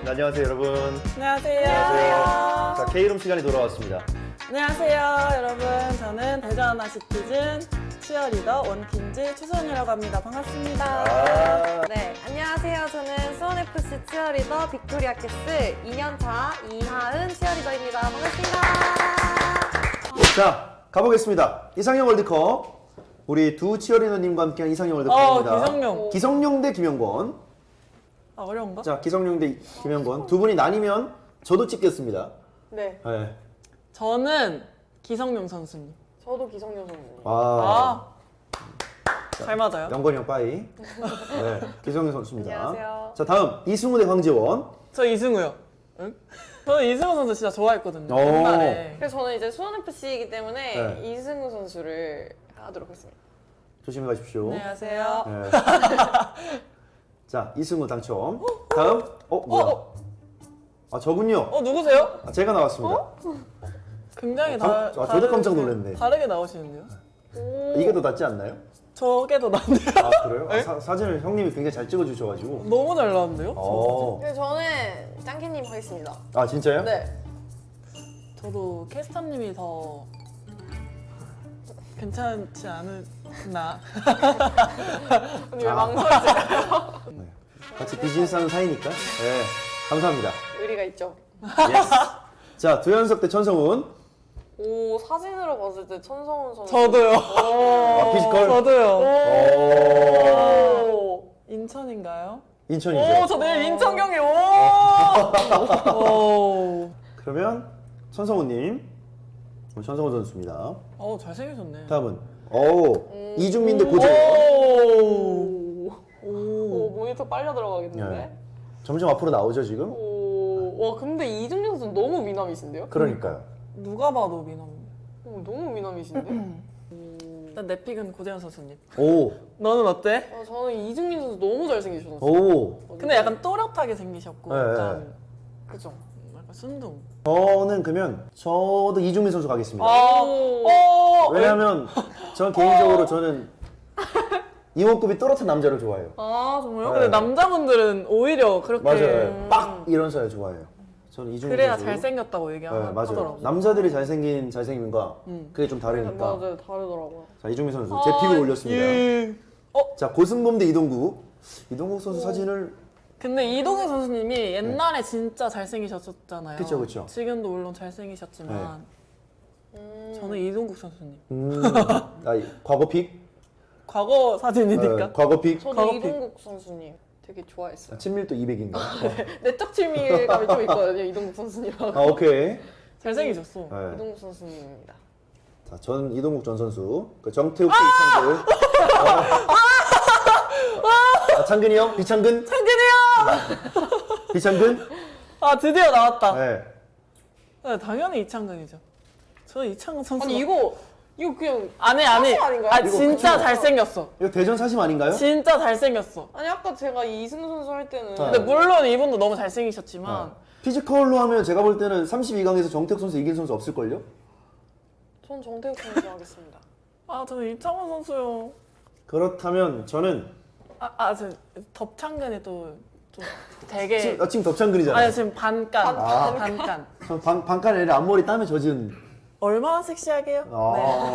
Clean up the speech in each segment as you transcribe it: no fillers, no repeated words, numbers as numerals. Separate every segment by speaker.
Speaker 1: 안녕하세요, 여러분.
Speaker 2: 안녕하세요.
Speaker 1: 안녕하세요. 자, K룸 시간이 돌아왔습니다.
Speaker 2: 안녕하세요, 여러분. 저는 대전 하나시티즌 치어리더 원퀸즈 추선이라고 합니다. 반갑습니다.
Speaker 1: 아,
Speaker 3: 네, 안녕하세요. 저는 수원FC 치어리더 빅토리아 캐스 2년차 이하은 치어리더입니다. 반갑습니다.
Speaker 1: 자, 가보겠습니다. 이상형 월드컵. 우리 두 치어리더님과 함께한 이상형 월드컵입니다.
Speaker 2: 기성용.
Speaker 1: 기성용 대 김영권.
Speaker 2: 아, 어려운가?
Speaker 1: 자, 기성용 대 김영권. 두 분이 나뉘면 저도 찍겠습니다.
Speaker 3: 네,
Speaker 1: 네.
Speaker 2: 저는 기성용 선수님.
Speaker 3: 저도 기성용 선수님.
Speaker 1: 아,
Speaker 2: 잘 맞아요.
Speaker 1: 영건이 형 빠이. 네, 기성용 선수입니다.
Speaker 3: 안녕하세요.
Speaker 1: 자, 다음 이승우 대 황재원.
Speaker 2: 저 이승우요. 응? 저는 이승우 선수 진짜 좋아했거든요.
Speaker 1: 오.
Speaker 2: 옛날에.
Speaker 3: 그래서 저는 이제 수원FC이기 때문에
Speaker 1: 네.
Speaker 3: 이승우 선수를 하도록 했습니다.
Speaker 1: 조심히 가십시오.
Speaker 2: 안녕하세요.
Speaker 1: 네. 자, 이승우 당첨. 다음. 뭐야? 아, 저군요.
Speaker 2: 누구세요?
Speaker 1: 아, 제가 나왔습니다.
Speaker 2: 굉장히
Speaker 1: 저도 깜짝 놀랐네.
Speaker 2: 다르게 나오시는데요?
Speaker 1: 이게 더 낫지 않나요?
Speaker 2: 저게 더 낫네요.
Speaker 1: 아, 그래요? 사진을 형님이 굉장히 잘 찍어주셔가지고.
Speaker 2: 너무 잘 나왔는데요?
Speaker 1: 어.
Speaker 3: 저는 짱캐님 하겠습니다.
Speaker 1: 아, 진짜요?
Speaker 3: 네.
Speaker 2: 저도 캐스터님이 더 괜찮지 않나?
Speaker 3: 언니 왜 망설이세요?
Speaker 1: 네. 같이 비즈니스 하는 사이니까. 네. 감사합니다.
Speaker 3: 의리가 있죠.
Speaker 1: 예스. 자, 두현석 대 천성훈.
Speaker 3: 오, 사진으로 봤을 때 천성훈 선수.
Speaker 2: 저도요.
Speaker 1: 아, 피지컬?
Speaker 2: 저도요.
Speaker 1: 오.
Speaker 3: 오.
Speaker 2: 인천인가요?
Speaker 1: 인천이죠.
Speaker 2: 오, 저 내일 인천 경기. 오.
Speaker 1: 그러면 천성훈님. 천성훈 선수입니다.
Speaker 2: 잘생기셨네.
Speaker 1: 다음은 이중민 대 고재원.
Speaker 2: 오.
Speaker 3: 오, 모니터 빨려 들어가겠는데?
Speaker 1: 네. 점점 앞으로 나오죠 지금?
Speaker 3: 오, 와 근데 이중민 선수 너무 미남이신데요?
Speaker 1: 그러니까요.
Speaker 2: 누가 봐도 미남.
Speaker 3: 너무 미남이신데?
Speaker 2: 일단 내 픽은 고재현 선수님.
Speaker 1: 오.
Speaker 2: 너는 어때?
Speaker 3: 저는 이중민 선수 너무 잘생기셨어요.
Speaker 1: 오.
Speaker 2: 근데 약간 또렷하게 생기셨고
Speaker 1: 네.
Speaker 2: 약간
Speaker 3: 그죠?
Speaker 2: 순둥.
Speaker 1: 저는 그러면 저도 이중민 선수 가겠습니다. 왜냐하면 전 개인적으로 저는 이원급이 또렷한 남자를 좋아해요.
Speaker 3: 아 정말요?
Speaker 2: 근데 남자분들은 오히려 그렇게
Speaker 1: 맞아요. 빡 이런 사람 좋아해요. 저는 이중민
Speaker 2: 그래야
Speaker 1: 선수.
Speaker 2: 잘생겼다고
Speaker 1: 네,
Speaker 2: 얘기하더라고요.
Speaker 1: 맞아요. 남자들이 잘생김과 그게 좀 다르니까.
Speaker 3: 맞아요, 다르더라고요.
Speaker 1: 자, 이중민 선수 제 픽을 올렸습니다.
Speaker 2: 예.
Speaker 1: 자, 고승범 대 이동국. 이동국 선수 사진을
Speaker 2: 근데 이동희 선수님이 옛날에 진짜 잘생기셨잖아요.
Speaker 1: 그쵸, 그쵸.
Speaker 2: 지금도 물론 잘생기셨지만 저는 이동국 선수님.
Speaker 1: 과거 픽?
Speaker 2: 과거 사진이니까.
Speaker 1: 과거 픽?
Speaker 3: 저도
Speaker 2: 과거
Speaker 3: 이동국 선수님 되게 좋아했어요.
Speaker 1: 친밀도 200인가?
Speaker 3: 내적 친밀감이 좀 있거든요, 이동국 선수님하고.
Speaker 1: 아, 오케이.
Speaker 2: 잘생기셨어.
Speaker 1: 네.
Speaker 3: 이동국 선수님입니다.
Speaker 1: 자, 전 이동국 전 선수. 그 정태욱 대 이창근. 창근이 형? 비창근?
Speaker 2: 창근이 형!
Speaker 1: 비창근?
Speaker 2: 아 드디어 나왔다.
Speaker 1: 네.
Speaker 2: 네, 당연히 이창근이죠. 저는 이창근 선수.
Speaker 3: 아니 이거 그냥
Speaker 2: 아니.
Speaker 3: 사실 아닌가요?
Speaker 2: 아
Speaker 3: 이거
Speaker 2: 진짜
Speaker 1: 그쵸?
Speaker 2: 잘생겼어.
Speaker 1: 이거 대전 사심 아닌가요?
Speaker 2: 진짜 잘생겼어.
Speaker 3: 아니 아까 제가 이승우 선수 할 때는
Speaker 2: 근데 물론 이분도 너무 잘생기셨지만
Speaker 1: 피지컬로 하면 제가 볼 때는 32강에서 정태욱 선수 이길 선수 없을걸요?
Speaker 3: 전 정태욱 선수 하겠습니다.
Speaker 2: 아 저는 이창근 선수요.
Speaker 1: 그렇다면 저는
Speaker 2: 저 덥창근이 또 되게
Speaker 1: 지금 덥창근이잖아요.
Speaker 2: 아니 지금 반간 반간
Speaker 1: 저 반칸 아니라 앞머리 땀에 젖은.
Speaker 2: 얼마나 섹시하게요? 네.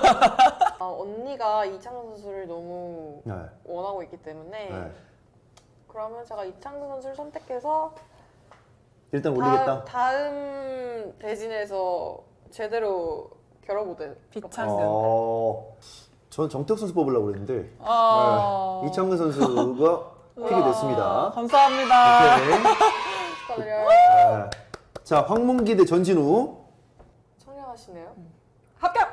Speaker 3: 언니가 이창근 선수를 너무
Speaker 1: 네.
Speaker 3: 원하고 있기 때문에
Speaker 1: 네.
Speaker 3: 그러면 제가 이창근 선수를 선택해서
Speaker 1: 일단 올리겠다.
Speaker 3: 다음 대진에서 제대로 겨뤄보든
Speaker 2: 비창근.
Speaker 1: 전 정태욱 선수 뽑으려고 그랬는데
Speaker 2: 아.
Speaker 1: 네. 이창근 선수가 픽이 됐습니다.
Speaker 2: 감사합니다.
Speaker 1: 오케이.
Speaker 3: 축하드려요.
Speaker 1: 네. 자, 황문기 대 전진우.
Speaker 3: 청량하시네요. 합격!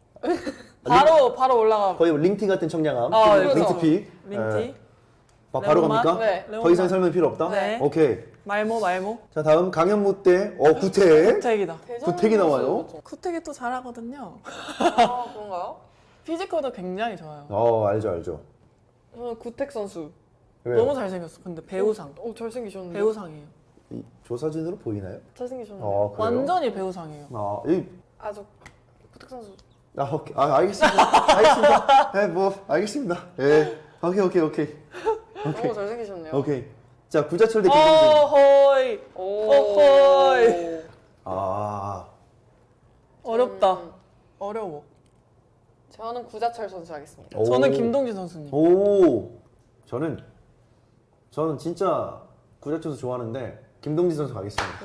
Speaker 2: 바로 올라가.
Speaker 1: 거의 뭐 링티 같은 청량함.
Speaker 2: 그렇죠.
Speaker 1: 링티 픽.
Speaker 2: 링티.
Speaker 1: 네. 바로
Speaker 2: 레몬맛?
Speaker 1: 갑니까?
Speaker 3: 네.
Speaker 1: 더 이상 설명 필요 없다?
Speaker 2: 네.
Speaker 1: 오케이.
Speaker 2: 말모.
Speaker 1: 자, 다음 강현무 대 구태.
Speaker 2: 구택이다.
Speaker 1: 구택이 나와요?
Speaker 2: 구택이 또 잘하거든요.
Speaker 3: 아 그런가요?
Speaker 2: 피지컬도 굉장히 좋아요.
Speaker 1: 알죠.
Speaker 3: 저는 구택 선수.
Speaker 1: 왜요?
Speaker 2: 너무 잘생겼어. 근데 배우상.
Speaker 3: 잘생기셨는데.
Speaker 2: 배우상이에요.
Speaker 1: 이 조사진으로 보이나요?
Speaker 3: 잘생기셨는데.
Speaker 1: 그래요?
Speaker 2: 완전히 배우상이에요.
Speaker 3: 저 구택 선수.
Speaker 1: 오케이. 알겠습니다. 알겠습니다. 오케이.
Speaker 3: 너무 잘생기셨네요.
Speaker 1: 오케이. 자, 구자철 대 김동준.
Speaker 2: 어허이. 어허이.
Speaker 1: 아,
Speaker 2: 어렵다. 어려워.
Speaker 3: 저는 구자철 선수 하겠습니다.
Speaker 1: 오.
Speaker 2: 저는 김동진 선수님.
Speaker 1: 오, 저는 진짜 구자철 선수 좋아하는데 김동진 선수 가겠습니다.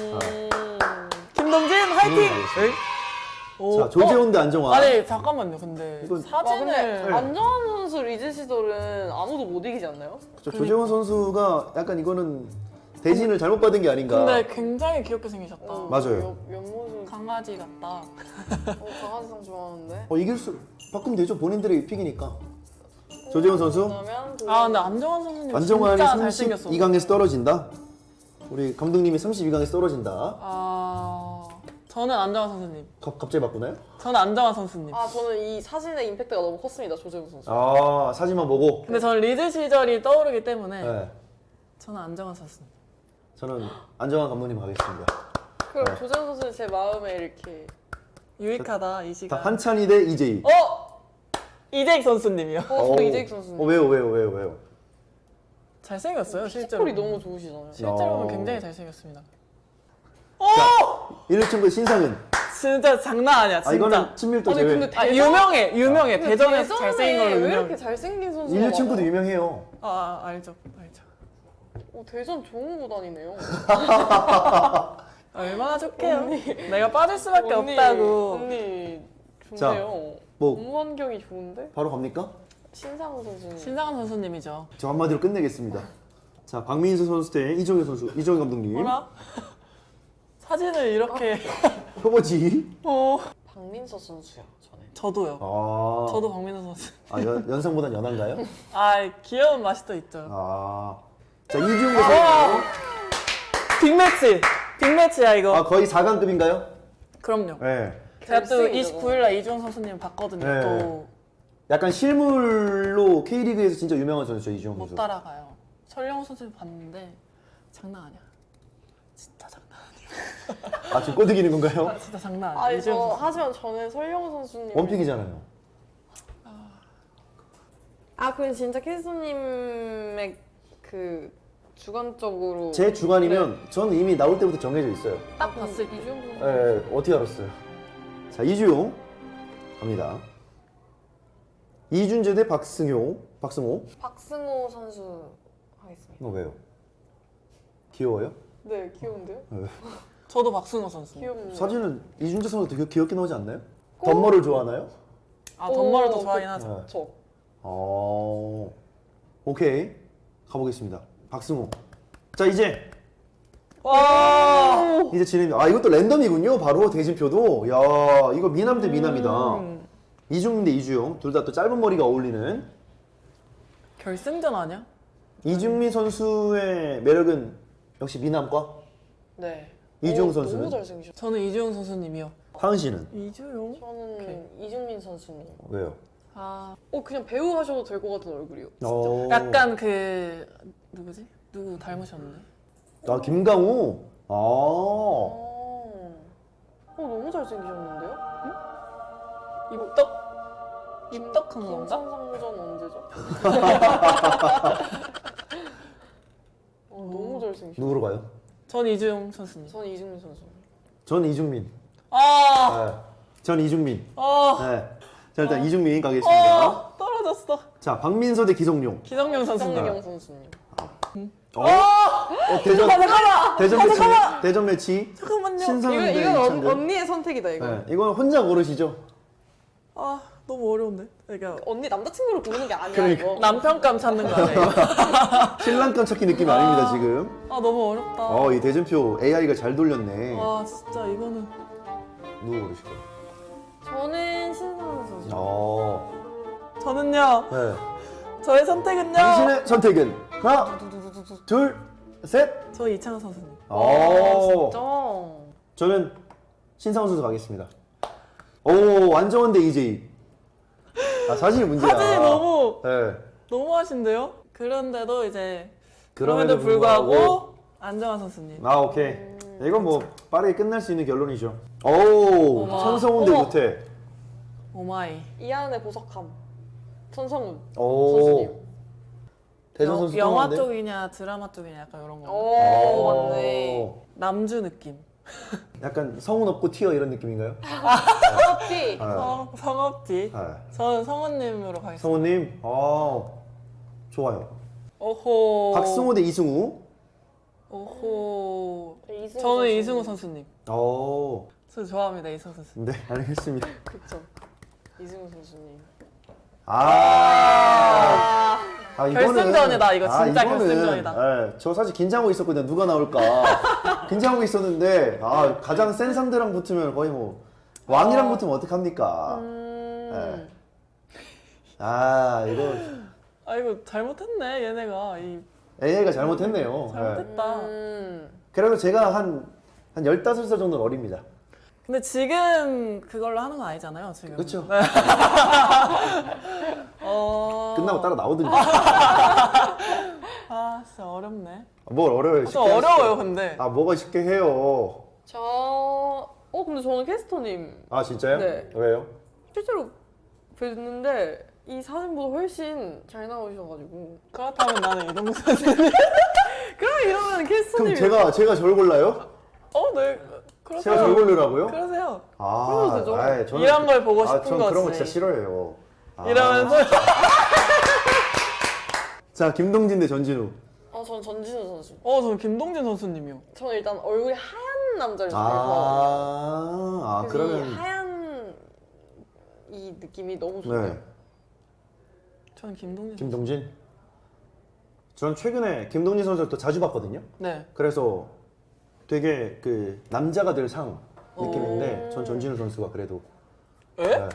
Speaker 2: 김동진 화이팅!
Speaker 1: 가겠습니다.
Speaker 2: 오.
Speaker 1: 자, 조재훈 대 안정환.
Speaker 2: 아니 잠깐만요. 근데
Speaker 1: 이건-
Speaker 3: 와, 근데
Speaker 2: 사진을
Speaker 3: 안정환 선수 리즈 시절은 아무도 못 이기지 않나요?
Speaker 1: 조재훈 선수가 약간 이거는 대신을 잘못 받은 게 아닌가.
Speaker 2: 근데 굉장히 귀엽게 생기셨다.
Speaker 1: 맞아요.
Speaker 3: 옆모습
Speaker 2: 강아지 같다.
Speaker 3: 강아지상 좋아하는데.
Speaker 1: 이길 수 바꾸면 되죠. 본인들의 픽이니까. 조재훈 선수.
Speaker 3: 그러면
Speaker 2: 아 근데 안정환 선수님
Speaker 1: 안정환이
Speaker 2: 진짜 잘생겼어.
Speaker 1: 32강에서 떨어진다. 우리 감독님이 32강에서 떨어진다.
Speaker 2: 아 저는 안정환 선수님.
Speaker 1: 갑자기 바꾸나요?
Speaker 2: 저는 안정환 선수님.
Speaker 3: 저는 이 사진의 임팩트가 너무 컸습니다. 조재훈 선수.
Speaker 1: 사진만 보고.
Speaker 2: 근데 저는 리즈 시절이 떠오르기 때문에
Speaker 1: 네.
Speaker 2: 저는 안정환 선수님.
Speaker 1: 저는 안정환 감독님 가겠습니다.
Speaker 3: 그럼
Speaker 1: 네.
Speaker 3: 조재훈 선수는 제 마음에 이렇게
Speaker 2: 유익하다 이
Speaker 1: 자,
Speaker 2: 시간.
Speaker 1: 한찬희 대 이재희.
Speaker 2: 이재익 선수님이요.
Speaker 3: 저도 이재익 선수님.
Speaker 1: 왜요?
Speaker 2: 잘생겼어요 실제로.
Speaker 3: 피지컬이 너무 좋으시잖아요.
Speaker 2: 실제로 보면 굉장히 잘생겼습니다.
Speaker 1: 자, 1층부 신상은.
Speaker 2: 진짜 장난 아니야 진짜.
Speaker 1: 이거는 친밀도
Speaker 3: 아니,
Speaker 1: 제외.
Speaker 3: 근데
Speaker 2: 아, 유명해. 대전에서 잘생긴 걸로
Speaker 3: 왜
Speaker 2: 유명해.
Speaker 3: 이렇게 잘생긴 선수가
Speaker 1: 1층부도 유명해요.
Speaker 2: 알죠.
Speaker 3: 대전 좋은 곳 아니네요.
Speaker 2: 얼마나 좋게요. 내가 빠질 수밖에 없다고.
Speaker 3: 언니
Speaker 1: 자,
Speaker 3: 좋네요.
Speaker 1: 뭐
Speaker 3: 업무 환경이 좋은데?
Speaker 1: 바로 갑니까?
Speaker 3: 신상훈 선수님.
Speaker 2: 신상훈 선수님이죠.
Speaker 1: 저 한마디로 끝내겠습니다. 자, 박민수 선수 대 이종현 선수. 이종현 감독님.
Speaker 2: 뭐라? 사진을 이렇게.
Speaker 1: 표보지.
Speaker 3: 박민서 선수요. 저는.
Speaker 2: 저도요. 저도 박민호 선수.
Speaker 1: 연상보단 연한가요?
Speaker 2: 귀여운 맛이 또 있죠.
Speaker 1: 자, 이지훈 선수.
Speaker 2: 빅매치야 이거.
Speaker 1: 거의 4강급인가요?
Speaker 2: 그럼요.
Speaker 1: 네.
Speaker 2: 제가 또
Speaker 3: 결승이죠.
Speaker 2: 29일날 이주영 선수님 봤거든요.
Speaker 1: 네.
Speaker 2: 또 못
Speaker 1: 약간 실물로 K리그에서 진짜 유명한 선수죠, 이지훈 선수.
Speaker 2: 따라가요. 설영우 선수 봤는데 장난 아니야. 진짜 장난 아니야.
Speaker 1: 지금 꼬드기는 건가요?
Speaker 2: 진짜 장난 아니야. 이주영 선수.
Speaker 3: 하지만 저는 설영우 선수님.
Speaker 1: 원픽이잖아요.
Speaker 3: 그럼 진짜 캐스터님의 그 주관적으로
Speaker 1: 제 주관이면 저는 이미 나올 때부터 정해져 있어요.
Speaker 2: 딱 봤을 때.
Speaker 3: 이주영 선수.
Speaker 1: 어떻게 알았어요? 자, 이주용 갑니다. 이준재 대 박승호.
Speaker 3: 박승호 선수 하겠습니다.
Speaker 1: 왜요? 귀여워요?
Speaker 3: 네, 귀여운데요?
Speaker 2: 저도 박승호 선수.
Speaker 3: 귀엽네요.
Speaker 1: 사진은 이준재 선수 되게 귀엽게 나오지 않나요? 덤머를 좋아하나요?
Speaker 2: 덤머를 더 좋아하긴 하죠.
Speaker 3: 저.
Speaker 1: 오케이, 가보겠습니다. 박승호. 자, 이제
Speaker 2: 와.
Speaker 1: 이제 진행입니다. 이것도 랜덤이군요. 바로 대진표도. 야, 이거 미남 대 미남이다. 이중민 대 이주용. 둘 다 또 짧은 머리가 어울리는.
Speaker 2: 결승전 아니야?
Speaker 1: 이중민 선수의 매력은 역시 미남과.
Speaker 3: 네.
Speaker 1: 이주용 선수는?
Speaker 3: 너무 잘생기셨어요.
Speaker 2: 저는 이주영 선수님이요.
Speaker 1: 하은 씨는
Speaker 2: 이주영?
Speaker 3: 저는 이중민 선수님.
Speaker 1: 왜요?
Speaker 3: 그냥 배우 하셔도 될 것 같은 얼굴이요.
Speaker 2: 약간 누구지? 누구 닮으셨는데?
Speaker 1: 김강우.
Speaker 3: 너무 잘생기셨는데요?
Speaker 2: 입덕한 건가?
Speaker 3: 김천상전 언제죠? 너무 잘생기셨어요.
Speaker 1: 누구로 가요?
Speaker 2: 전 이주영 선수님.
Speaker 3: 저는 이중민 선수.
Speaker 1: 전 이중민. 전 이중민. 네. 자, 일단 이중민 가겠습니다.
Speaker 2: 떨어졌어.
Speaker 1: 자, 박민서 대 기성용.
Speaker 2: 기성용 선수님.
Speaker 3: 성경 선수님.
Speaker 1: 대전 매치.
Speaker 2: 잠깐만요.
Speaker 1: 신상훈 대
Speaker 3: 이건
Speaker 1: 이창근.
Speaker 3: 언니의 선택이다 이거.
Speaker 1: 네, 이건 혼자 고르시죠.
Speaker 2: 너무 어려운데. 그러니까
Speaker 3: 언니 남자친구를 고르는 게 아니야
Speaker 1: 그러니까.
Speaker 3: 이거.
Speaker 2: 남편감 찾는 거 아니에요?
Speaker 1: 신랑감 찾기 느낌이 아닙니다, 지금.
Speaker 2: 너무 어렵다.
Speaker 1: 이 대전표 AI가 잘 돌렸네.
Speaker 2: 진짜 이거는.
Speaker 1: 누구 고르실 거예요?
Speaker 3: 저는 신상훈 선수.
Speaker 2: 저는요.
Speaker 1: 네.
Speaker 2: 저의 선택은요.
Speaker 1: 당신의 선택은 하나, 둘, 셋.
Speaker 2: 저 이창호 선수님.
Speaker 3: 진짜.
Speaker 1: 저는 신상훈 선수 가겠습니다. 완정원 대 이재희. 사진이 문제야.
Speaker 2: 사진이 너무
Speaker 1: 네.
Speaker 2: 너무 하신데요? 그런데도 이제
Speaker 1: 그럼에도
Speaker 2: 그럼에도 불구하고 안정환 선수님.
Speaker 1: 오케이. 이건 뭐 빠르게 끝날 수 있는 결론이죠. 천성훈 대
Speaker 3: 어머.
Speaker 1: 유태.
Speaker 2: 오마이.
Speaker 3: 이하은의 보석함. 천성훈
Speaker 1: 오.
Speaker 3: 선수님.
Speaker 1: 대전 선수
Speaker 2: 영화
Speaker 1: 뚱한데?
Speaker 2: 쪽이냐 드라마 쪽이냐 약간 이런 거.
Speaker 3: 오, 맞네.
Speaker 2: 남주 느낌.
Speaker 1: 약간 성운 없고 튀어 이런 느낌인가요?
Speaker 3: 커피.
Speaker 2: 성업지.
Speaker 1: 네.
Speaker 2: 저는 성우님으로 가겠습니다.
Speaker 1: 성우님, 좋아요.
Speaker 2: 오호.
Speaker 1: 박승호 대 이승우.
Speaker 2: 오호.
Speaker 3: 이승우
Speaker 2: 저는
Speaker 3: 선수.
Speaker 2: 이승우 선수님.
Speaker 1: 어,
Speaker 2: 저 좋아합니다 이승우 선수.
Speaker 1: 네, 알겠습니다.
Speaker 3: 그쵸. 이승우 선수님.
Speaker 1: 이거는-
Speaker 2: 결승전이다, 이거 진짜
Speaker 1: 이거는,
Speaker 2: 결승전이다.
Speaker 1: 예, 저 사실 긴장하고 있었거든요. 누가 나올까. 긴장하고 있었는데, 가장 센 상대랑 붙으면 거의 뭐, 왕이랑 붙으면 어떡합니까? 예. 이거
Speaker 2: 이거 잘못했네 얘네가.
Speaker 1: AI가 잘못했네요. 예.
Speaker 2: 잘못했다.
Speaker 1: 그래도 제가 한 15살 정도는 어립니다.
Speaker 2: 근데 지금 그걸로 하는 건 아니잖아요 지금.
Speaker 1: 그렇죠.
Speaker 2: 끝나고
Speaker 1: 따라 나오든지.
Speaker 2: 진짜 어렵네.
Speaker 1: 뭘 어려워요.
Speaker 2: 좀
Speaker 1: 쉽게
Speaker 2: 어려워요
Speaker 1: 하시죠.
Speaker 2: 근데.
Speaker 1: 뭐가 쉽게 해요.
Speaker 3: 근데 저는 캐스터님
Speaker 1: 진짜요?
Speaker 3: 네.
Speaker 1: 왜요?
Speaker 3: 실제로 뵀는데 이 사진보다 훨씬 잘 나오셔가지고.
Speaker 2: 그렇다면 나는 이동국 선수님.
Speaker 3: 그럼 이러면
Speaker 1: 그럼
Speaker 3: 캐스터님이.
Speaker 1: 제가 저를 골라요?
Speaker 2: 네. 그러세요.
Speaker 1: 제가 저를 고르라고요?
Speaker 2: 그러세요.
Speaker 3: 그래도 되죠.
Speaker 1: 저는
Speaker 2: 이런 걸 보고 싶은
Speaker 1: 전
Speaker 2: 거지.
Speaker 1: 그런 거 진짜 싫어해요.
Speaker 2: 이러면서
Speaker 1: 자, 김동진 대 전진우.
Speaker 3: 전 전진우 선수.
Speaker 2: 저는 김동진 선수님이요.
Speaker 3: 저는 일단 얼굴이 하얀 남자를 좋아해서. 그래서 이
Speaker 1: 그러면
Speaker 3: 하얀 이 느낌이 너무 좋아요.
Speaker 1: 네.
Speaker 2: 저는 김동진.
Speaker 1: 김동진. 전 최근에 김동진 선수를 또 자주 봤거든요.
Speaker 2: 네.
Speaker 1: 그래서 되게 그 남자가 될 상 느낌인데 전 전진우 선수가 그래도
Speaker 2: 에?
Speaker 1: 네.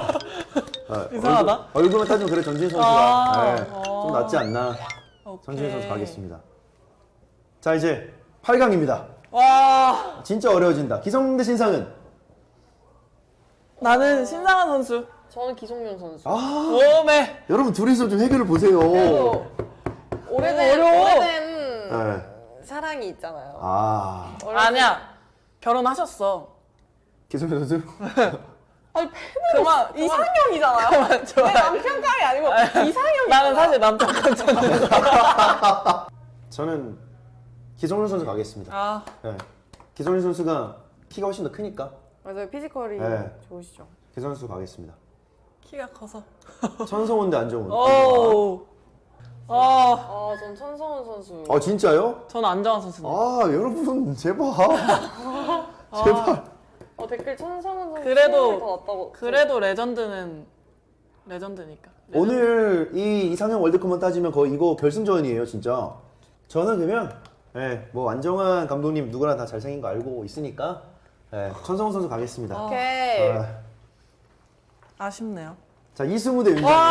Speaker 2: 이상하다.
Speaker 1: 얼굴만 따지면 그래 전진우 선수가 좀 낫지 않나.
Speaker 2: 오케이.
Speaker 1: 전진우 선수 가겠습니다. 자, 이제 8강입니다.
Speaker 2: 와,
Speaker 1: 진짜 어려워진다. 기성 대 신상은.
Speaker 2: 나는 신상한 선수.
Speaker 3: 저는 기성용 선수.
Speaker 2: 오메.
Speaker 1: 여러분 둘이서 좀 해결을 보세요.
Speaker 3: 그래도 오래된
Speaker 2: 어려워.
Speaker 1: 네.
Speaker 3: 사랑이 있잖아요.
Speaker 2: 아니야. 결혼하셨어.
Speaker 1: 기성용 선수?
Speaker 3: 아니
Speaker 2: 그만.
Speaker 3: 이상형이잖아요.
Speaker 2: 그만 좋아.
Speaker 3: 내 남편 깡이 아니고 이상형이.
Speaker 2: 나는 사실 남편 같잖아.
Speaker 1: 저는 기성용 선수 가겠습니다. 네. 기성용 선수가 키가 훨씬 더 크니까
Speaker 3: 맞아요. 피지컬이
Speaker 1: 네.
Speaker 3: 좋으시죠.
Speaker 1: 기성용 선수 가겠습니다.
Speaker 2: 키가 커서.
Speaker 1: 천성훈 대 안정훈.
Speaker 2: 오.
Speaker 3: 전 천성훈 선수.
Speaker 1: 진짜요?
Speaker 2: 저는 안정환 선수님.
Speaker 1: 여러분 제발. 제발.
Speaker 3: 댓글 천성훈 선수
Speaker 2: 그래도-
Speaker 3: 더 낫다고.
Speaker 2: 그래도 레전드는 레전드니까.
Speaker 1: 오늘 이 이상형 월드컵만 따지면 거의 이거 결승전이에요, 진짜. 저는 그러면 뭐 안정환 감독님 누구나 다 잘생긴 거 알고 있으니까 천성훈 선수 가겠습니다.
Speaker 3: 오케이.
Speaker 2: 아쉽네요.
Speaker 1: 자, 이승우 대 윤정현.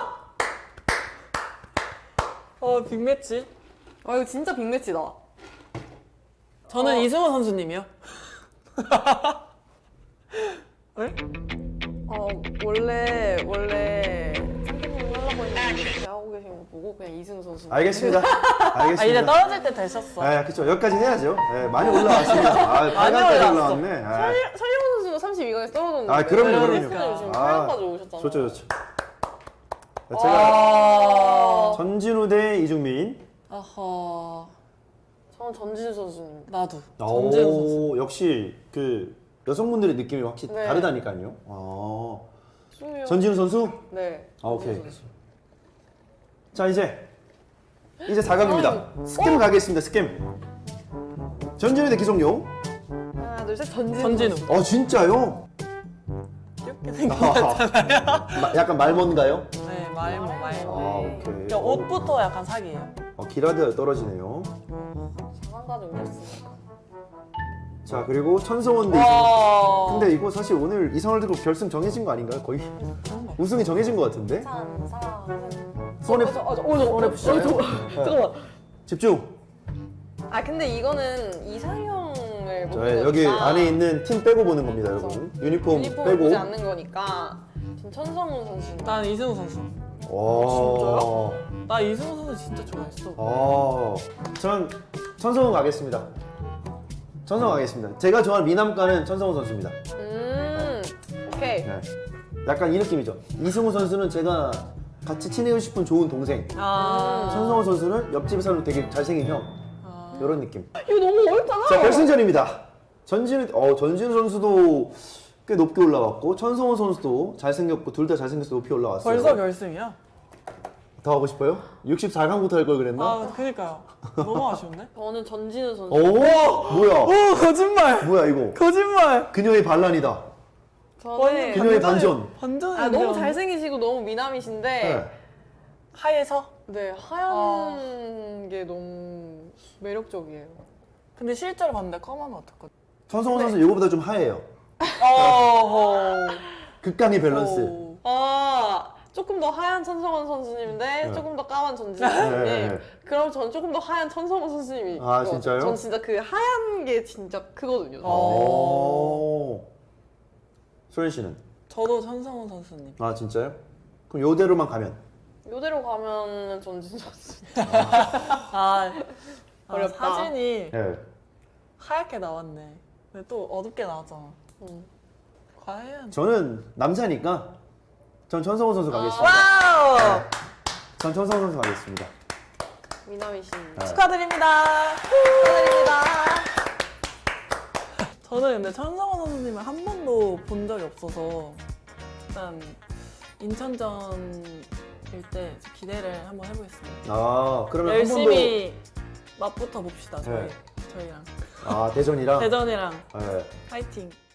Speaker 2: 빅매치.
Speaker 3: 이거 진짜 빅매치다.
Speaker 2: 저는 이승우 선수님이요. 왜?
Speaker 3: 원래 선생님이 하려고 했는데 제가 하고 계신 거 보고 그냥 이승우 선수.
Speaker 1: 알겠습니다. 알겠습니다.
Speaker 2: 이제 떨어질 때 되셨어.
Speaker 1: 그쵸. 여기까지 해야죠. 많이 올라왔습니다. 8강까지
Speaker 2: 올라왔어.
Speaker 1: 올라왔네.
Speaker 3: 설영훈 선수가 32강에 떨어졌는데.
Speaker 1: 그럼요.
Speaker 3: 선생님 지금 8강까지 오셨잖아요.
Speaker 1: 좋죠. 제가 전진우 대 이중민.
Speaker 2: 어허.
Speaker 3: 저는 전진우 선수님.
Speaker 2: 나도. 전진우 선수.
Speaker 1: 역시 그 여성분들의 느낌이 확실히
Speaker 3: 네.
Speaker 1: 다르다니까요.
Speaker 3: 수미요.
Speaker 1: 전진우 선수?
Speaker 3: 네.
Speaker 1: 오케이.
Speaker 3: 전진우 선수.
Speaker 1: 자, 이제 4강입니다. 스캠 가겠습니다. 스캠. 전진우 대 기성용.
Speaker 3: 하나 둘 셋 전진우.
Speaker 2: 전진우.
Speaker 3: 선수.
Speaker 1: 진짜요?
Speaker 2: 귀엽게 생겼잖아요.
Speaker 1: 약간 말먼가요?
Speaker 2: 네, 말모.
Speaker 1: 오케이.
Speaker 2: 그냥 옷부터 약간 사기예요.
Speaker 1: 기라드가 떨어지네요.
Speaker 3: 장난까지 오셨으니까.
Speaker 1: 자, 그리고 천성원 대 이승우.
Speaker 2: 와.
Speaker 1: 근데 이거 사실 오늘 이상월드컵 결승 정해진 거 아닌가요? 거의 우승이 정해진 거 같은데? 손에
Speaker 3: 잠깐만.
Speaker 1: 집중.
Speaker 3: 근데 이거는 이상형을 보는
Speaker 1: 저 여기
Speaker 3: 거니까.
Speaker 1: 안에 있는 팀 빼고 보는 겁니다, 여러분. 유니폼
Speaker 3: 유니폼을
Speaker 1: 빼고.
Speaker 3: 보지 않는 거니까. 전 천성훈 선수.
Speaker 2: 난 이승우 선수.
Speaker 1: 와.
Speaker 2: 나 이승우 선수 진짜 좋아했어.
Speaker 1: 전 천성훈 가겠습니다. 천성훈 가겠습니다. 제가 좋아하는 미남가는 천성훈 선수입니다.
Speaker 3: 오케이.
Speaker 1: 네. 약간 이 느낌이죠. 이승우 선수는 제가 같이 친해지고 싶은 좋은 동생. 천성호 선수는 옆집에 사는 되게 잘생긴 형. 이런 느낌.
Speaker 2: 이거 너무 어렵잖아.
Speaker 1: 자, 결승전입니다. 전진우 선수도 꽤 높게 올라왔고 천성호 선수도 잘생겼고 둘 다 잘생겨서 높이 올라왔어요.
Speaker 2: 벌써 결승이야?
Speaker 1: 더 하고 싶어요? 64강부터 할 걸 그랬나?
Speaker 2: 아, 그니까요. 너무 아쉬운데?
Speaker 3: 저는 전진우 선수.
Speaker 1: 오, 뭐야?
Speaker 2: 오, 거짓말!
Speaker 1: 뭐야 이거?
Speaker 2: 거짓말!
Speaker 1: 그녀의 반란이다.
Speaker 3: 저는
Speaker 1: 그녀의 반전.
Speaker 2: 반전.
Speaker 3: 너무 잘생기시고 너무 미남이신데
Speaker 1: 네.
Speaker 2: 하얘서?
Speaker 3: 네 하얀 게 너무 매력적이에요.
Speaker 2: 근데 실제로 봤는데 검하면 어떡하지?
Speaker 1: 천성호 선수 이거보다 좀 하얘요.
Speaker 2: 어허.
Speaker 1: 극강의 밸런스.
Speaker 2: 오.
Speaker 3: 아 조금 더 하얀 천성원 선수님인데
Speaker 1: 네.
Speaker 3: 조금 더 까만 전진우 선수님.
Speaker 1: 네.
Speaker 3: 그럼 전 조금 더 하얀 천성원 선수님이.
Speaker 1: 아,
Speaker 3: 있거든요.
Speaker 1: 진짜요?
Speaker 3: 전 진짜 그 하얀 게 진짜 크거든요.
Speaker 1: 오. 소연 씨는?
Speaker 2: 저도 천성훈 선수님.
Speaker 1: 아 진짜요? 그럼 요대로만 가면?
Speaker 3: 이대로 가면 전진우 선수. 어렵다.
Speaker 2: 사진이
Speaker 1: 네.
Speaker 2: 하얗게 나왔네. 근데 또 어둡게 나왔잖아. 과연?
Speaker 1: 저는 남자니까 전 천성호 선수 가겠습니다.
Speaker 2: 와우!
Speaker 1: 네. 전 천성호 선수 가겠습니다.
Speaker 3: 미남이신.
Speaker 1: 네.
Speaker 2: 축하드립니다.
Speaker 3: 축하드립니다.
Speaker 2: 저는 근데 천성훈 선수님을 한 번도 본 적이 없어서 일단 인천전일 때 기대를 한번 해보겠습니다.
Speaker 1: 아 그러면
Speaker 2: 열심히 맛부터 봅시다.
Speaker 1: 네.
Speaker 2: 저희랑
Speaker 1: 한 번도 아 대전이랑
Speaker 2: 대전이랑
Speaker 1: 네.
Speaker 2: 파이팅.